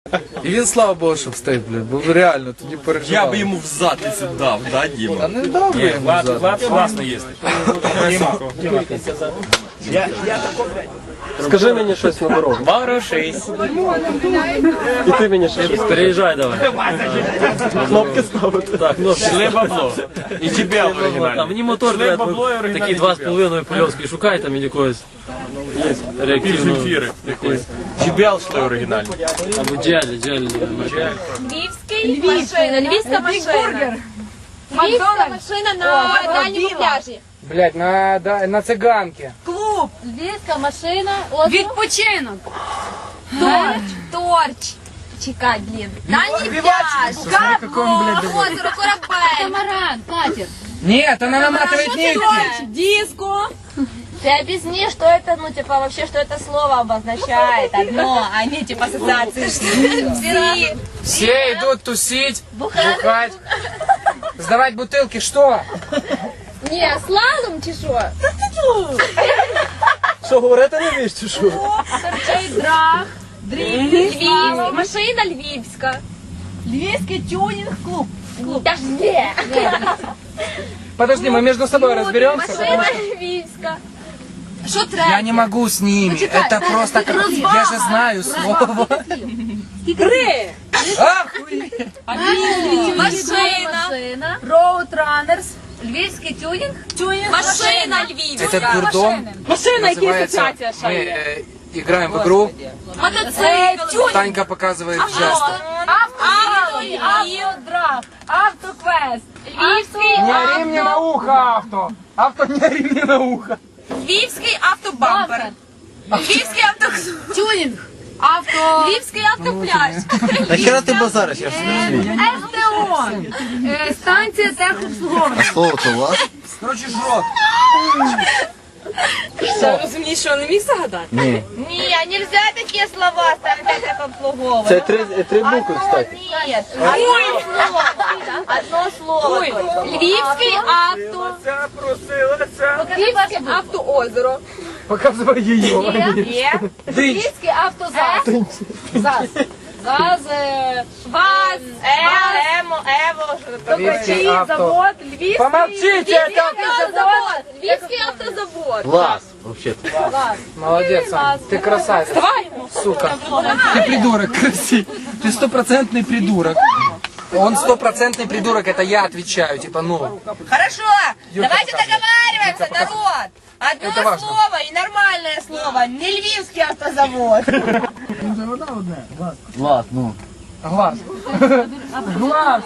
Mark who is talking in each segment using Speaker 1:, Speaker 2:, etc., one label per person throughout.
Speaker 1: І він, слава Богу, що встиг, блядь, бо реально тоді переживав.
Speaker 2: Я би йому в задницю дав, да, Діма?
Speaker 1: А не дав би йому взад.
Speaker 3: Влад класно їсти.
Speaker 4: Скажи мені щось на дорогу.
Speaker 3: Ворушись.
Speaker 4: І ти мені щось.
Speaker 3: Переїжджай давай.
Speaker 4: Кнопки ставити.
Speaker 3: Так, ну шли бабло.
Speaker 2: І тебе в
Speaker 3: Там
Speaker 2: оригіналі.
Speaker 3: мені мотор, блядь, такі 2,5 польовські, шукай там якогось реактивного.
Speaker 2: Ефіри якось. Джебел шли оригінальні.
Speaker 3: Або джелі.
Speaker 5: Львівський машина, львівська машина. Львівська машина на дальньому пляжі.
Speaker 6: Блять, на циганке.
Speaker 5: Клуб. Львівська машина.
Speaker 7: Відпочинок.
Speaker 5: Торч. Чекай, блін. Дальній пляж. Озеро, корабель.
Speaker 7: Камаран, катер.
Speaker 6: Нет, она наматывает нитки.
Speaker 5: Диско. Ты объясни, что это, ну, типа, вообще, что это слово обозначает одно, а не, типа, ассоциации. Все.
Speaker 6: Все идут тусить, бухать, сдавать бутылки. Что?
Speaker 5: Не, слалом чи що?
Speaker 4: Що, говорити не вмієш, чи що?
Speaker 5: Торчить драг. Львівська. Машина львівська. Львівський тюнінг-клуб. Та ж де?
Speaker 6: Подожди, мы между собой разберемся.
Speaker 5: Машина львівська. Що треба?
Speaker 6: Я не могу с ними. Это просто... Я же знаю слово.
Speaker 5: Три.
Speaker 6: Охуеть.
Speaker 5: Машина. Роудранерс. Львівський тюнінг. Машина львівська.
Speaker 6: Этот дурдом называется... Мы играем в игру.
Speaker 5: Мотоцикл.
Speaker 6: Танька показывает жесты.
Speaker 5: Автодраг. Автоквест. Львівський
Speaker 6: Не ори мне на ухо, авто. Авто, не ори мне на ухо.
Speaker 5: Львівський автобампер. Львівський автотюнінг. Львівський автопляж.
Speaker 2: Нахера ти базариш? Я ж не розумію.
Speaker 5: СТО. Станція техобслуговування.
Speaker 2: Слово то у вас?
Speaker 6: Короче, жрот.
Speaker 5: Розумієш, що не міг загадати?
Speaker 2: Ні.
Speaker 5: Ні, нельзя такі слова станція техобслуговування.
Speaker 4: Це три букви, кстати.
Speaker 5: Нет. Одно слово только. Львівський авто. Львівське автоозеро.
Speaker 6: Показывай ее.
Speaker 5: Є. Львівський автозас. ЗАЗ. ВАЗ. Емо. Ево.
Speaker 6: Львівський авто.
Speaker 5: Завод. Львівський.
Speaker 6: Помолчите, это
Speaker 5: автозавод. Львівський автозавод.
Speaker 2: Вас, взагалі.
Speaker 6: Молодец, Ань. Ты красавец. Сука. Ты придурок, красивый. Ты стопроцентный придурок. Он стопроцентный придурок, это я отвечаю, типа, ну.
Speaker 5: Хорошо, давайте
Speaker 6: показывай.
Speaker 5: договариваемся,
Speaker 6: Юрка,
Speaker 5: народ. Одно
Speaker 6: Это важно.
Speaker 5: слово и нормальное слово. Не львівський автозавод.
Speaker 2: Влад, ну.
Speaker 6: Глаз. Глаз.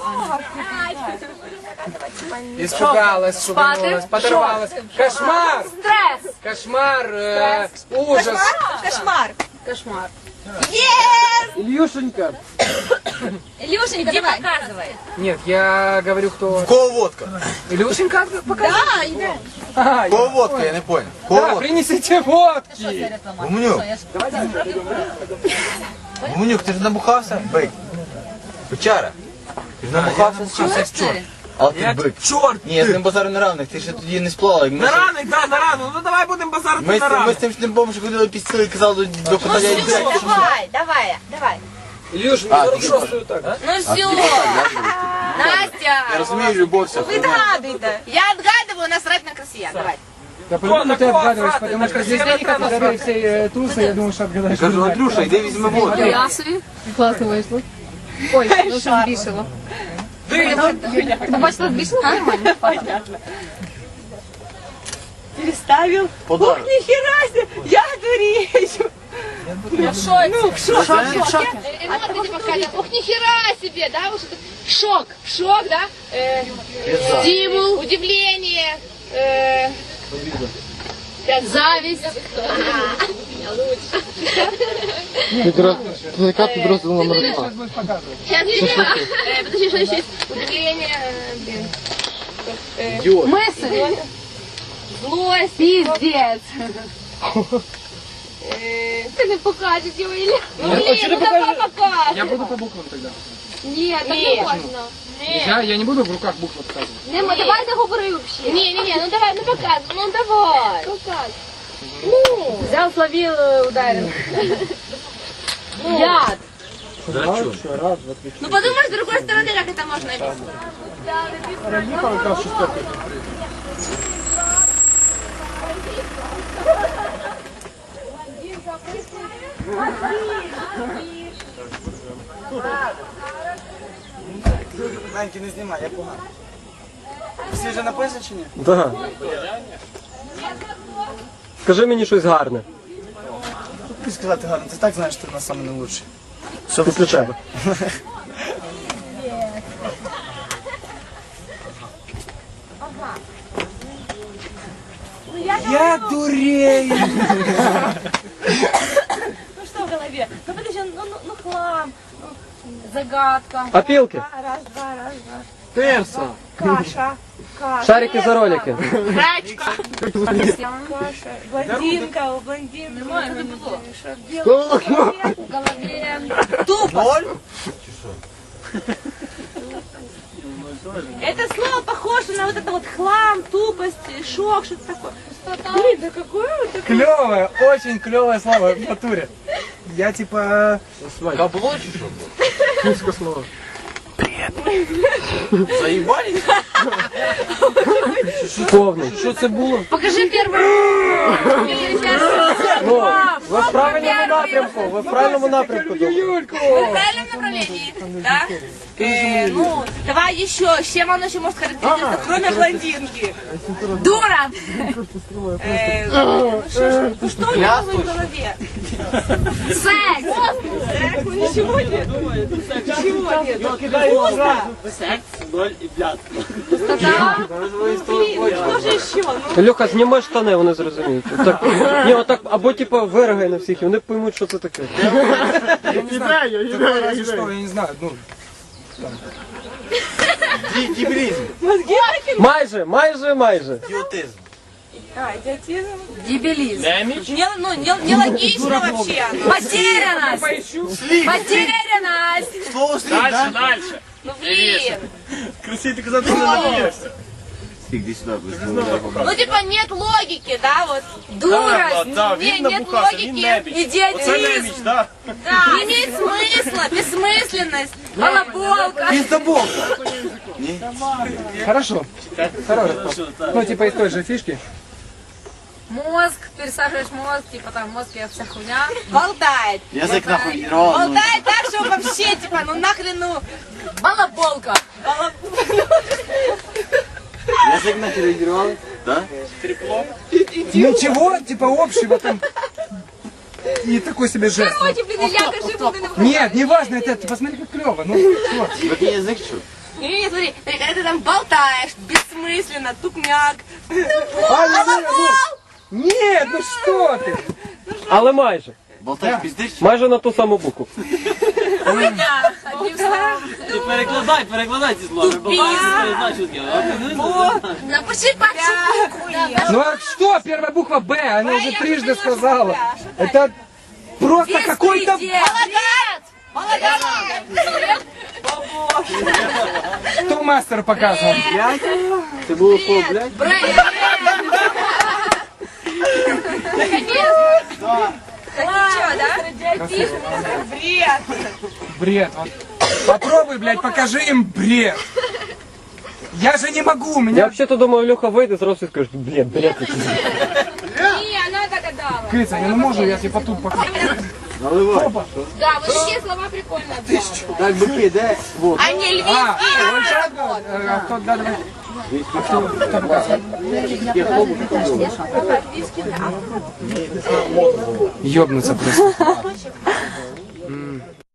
Speaker 6: Испугалась, шуганулась, подорвалась. Кошмар!
Speaker 5: Стресс.
Speaker 6: Кошмар, ужас.
Speaker 5: Кошмар.
Speaker 6: Ильюшенька.
Speaker 5: Илюшенька, давай. Показывай.
Speaker 6: Нет, я говорю, кто...
Speaker 2: Кого водка?
Speaker 6: Илюшенька? Покажи.
Speaker 5: Да, иди.
Speaker 6: А,
Speaker 2: Кого водка, я не понял. Кого
Speaker 6: да,
Speaker 2: водка?
Speaker 6: принесите водки.
Speaker 2: Гуменюк. Гуменюк, ти ж набухався? Бик. Бичара. Ти ж набухався з чим? А ти бик.
Speaker 1: Чорт!
Speaker 2: Ні, я з ним базару на равних, ти ще тоді не сплавав.
Speaker 1: На ранок, да, на ранок. Ну давай будемо базарити на
Speaker 2: Ми
Speaker 1: ранок.
Speaker 2: з тим шнибом ще ходили під сили і казали до кота я йду.
Speaker 5: Давай.
Speaker 6: Илюш,
Speaker 2: А,
Speaker 6: 46-ю так.
Speaker 5: Ну все. Настя.
Speaker 2: Я розумію, любов вся.
Speaker 5: Відгадуйте. Я отгадываю, насрать на красия. Давай.
Speaker 6: Да по-любому ты отгадываешь, потому что здесь денег отгадывают все тусы, я думаю, что отгадаешь.
Speaker 2: Кажу, Андрюша, йди візьми воду.
Speaker 7: Я собі. Класно вийшло. Ой, дуже збільшило. Ти бачила, збільшило? Нормально.
Speaker 5: Переставил.
Speaker 2: Подарок.
Speaker 5: Нихера себе. Я дурею. Я в шоке.
Speaker 7: Эмоции показывают. Ух, нихера себе, да? Вот это шок, да? Стимул, удивление, зависть.
Speaker 4: Яка підрозділ номер 2?
Speaker 7: Сейчас, подожди, что еще есть? Удивление, мысль, злость, пиздец. Ты не покажешь его или... Ну блин, давай покажешь.
Speaker 6: Я буду по буквам тогда.
Speaker 7: Нет, так не можна.
Speaker 6: Я не буду в руках буквы показывать.
Speaker 7: Нема, давай не говори вообще. Не, ну давай, ну показуй, ну давай. Показуй. Ну.
Speaker 5: Взял, словил, ударил.
Speaker 7: Яд.
Speaker 3: Да чё?
Speaker 7: Ну подумай с другой стороны, как это можно объяснить.
Speaker 8: Меньки не знімай, я погано. Всі вже написані чи ні?
Speaker 4: Да. Скажи мені щось гарне.
Speaker 8: Тобі сказати гарно, ти так знаєш, що ти на саме не лучший.
Speaker 4: Що після тебе?
Speaker 8: Я дурею!
Speaker 5: Ну что в голове? Ну подожди, ну хлам, ну, загадка.
Speaker 4: Опілки.
Speaker 5: Раз, два, раз, два.
Speaker 4: Перса.
Speaker 5: Каша.
Speaker 4: Шарики за ролики.
Speaker 5: Каша. Блондинка, у блондинки. В голове. Тупо. Это слово похоже на вот это вот хлам, тупость, шок, что-то такое. Блин, да какое вот такое?
Speaker 8: Клевое, очень клевое слово в натуре. Я типа...
Speaker 2: Бабло чи що? Заїбали?
Speaker 4: Повний. Що це було?
Speaker 7: Покажи первую.
Speaker 4: Ну, ви в правильному напрямку. Ви в правильному напрямку.
Speaker 5: В правильном направлении, да? Ну, давай еще, с чем он еще может характеризоваться, кроме блондинки? Дура! Ну что у него в голове?
Speaker 7: Секс.
Speaker 5: Секс, ну ничего нет. Ничего нет. Вкусно. Блин, что же еще? Ну,
Speaker 4: Льоха, зніми штани, вони зрозуміють. Так, ні, отак, або типа виригай на всіх, і вони поймуть, що це таке.
Speaker 8: Разве что, я не знаю, ну...
Speaker 2: Дебилизм.
Speaker 4: Майже.
Speaker 2: Идиотизм.
Speaker 5: идиотизм.
Speaker 7: Дебилизм.
Speaker 5: Нелогично вообще.
Speaker 7: Потерянность. Потерянность.
Speaker 2: Слово слив, да?
Speaker 5: Ну блин.
Speaker 8: Красиво ты казав, ти не надієшся.
Speaker 2: Иди сюда, быстрее.
Speaker 5: Ну типа нет логики, да, вот.
Speaker 7: Дурость.
Speaker 5: Нет логики. Идиотизм.
Speaker 8: да?
Speaker 5: Не имеет смысла, бессмысленность, балаболка.
Speaker 6: Хорошо. Ну, типа из той же фишки.
Speaker 7: Мозг, пересаживаешь мозг, типа там мозг и вся хуйня.
Speaker 5: Болтает.
Speaker 2: Язык нахуй не рвал.
Speaker 5: Болтает так, что вообще, типа, ну нахрен, ну.
Speaker 7: Балаболка.
Speaker 2: Язык нахуй не рвал? Да?
Speaker 6: Ничего, типа общего там. И такой себе жест.
Speaker 7: Короче, блин, Илья, кажи, блин,
Speaker 6: Нет, не важно, это посмотри, как клево. Ну, вот.
Speaker 2: Какой язык что?
Speaker 5: Не, смотри, когда ты там болтаешь, бессмысленно, тупняк.
Speaker 6: Нет, ну что ты?
Speaker 4: Але майже.
Speaker 2: Болтаешь пиздишь?
Speaker 4: Майже на ту саму букву.
Speaker 7: хуйня. Одним словом.
Speaker 3: Ти перекладай ці слова.
Speaker 7: Напиши пачку букву.
Speaker 6: Ну а что, первая буква Б, она уже трижды сказала. Это просто какой-то...
Speaker 5: Молодец!
Speaker 6: Кто мастер показывал?
Speaker 4: Це було по, блядь?
Speaker 5: Ничего, да? Бред!
Speaker 6: Бред. Вот. Попробуй, блядь, покажи им бред. Я же не могу, у
Speaker 4: Я
Speaker 6: меня...
Speaker 4: взагалі-то думаю, Льоха вийде, зразу і скаже, блін, бред.
Speaker 5: Не, она догадалась.
Speaker 6: Кыца, я не могу, я типа тут покажу.
Speaker 2: Наливай.
Speaker 5: Да, вот такие слова прикольные.
Speaker 2: Так, быки, да? Вот.
Speaker 5: А не львиные.
Speaker 6: А, вот так вот. А кто, да, давай. А кто показывает? Ёбнуться просто.